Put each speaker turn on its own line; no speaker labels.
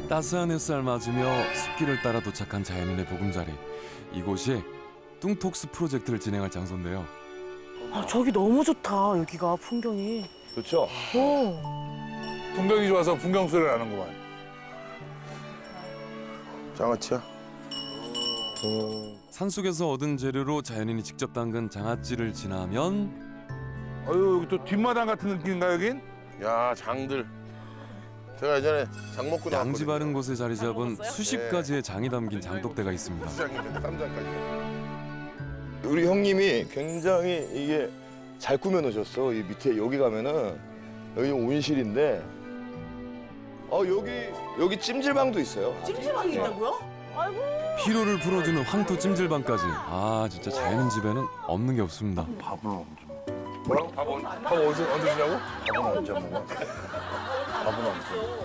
따스한 햇살 맞으며 숲길을 따라 도착한 자연인의 보금자리. 이곳이 뚱톡스 프로젝트를 진행할 장소인데요.
아, 저기 너무 좋다. 여기가 풍경이.
좋죠?
오.
풍경이 좋아서 풍경 소리가 나는구만.
장아찌야?
산속에서 얻은 재료로 자연인이 직접 담근 장아찌를 지나면
어유 여기 또 뒷마당 같은 느낌인가 여긴?
야, 장들. 제가 예전에 장 먹고 나왔거든요.
양지 바른 곳에 자리 잡은
먹었어요?
수십 가지의 장이 담긴 장독대가 있습니다.
장인데 쌈장까지. 우리 형님이 굉장히 이게 잘 꾸며 놓으셨어. 이 밑에 여기 가면은 여기 온실인데 여기 찜질방도 있어요.
찜질방이 있다고요? 아이고.
피로를 풀어주는 황토 찜질방까지. 아 진짜 자연인 집에는 없는 게 없습니다.
뭐라고? 밥 어디서 언제 주냐고? 밥은 언제 먹어? 밥은 언제?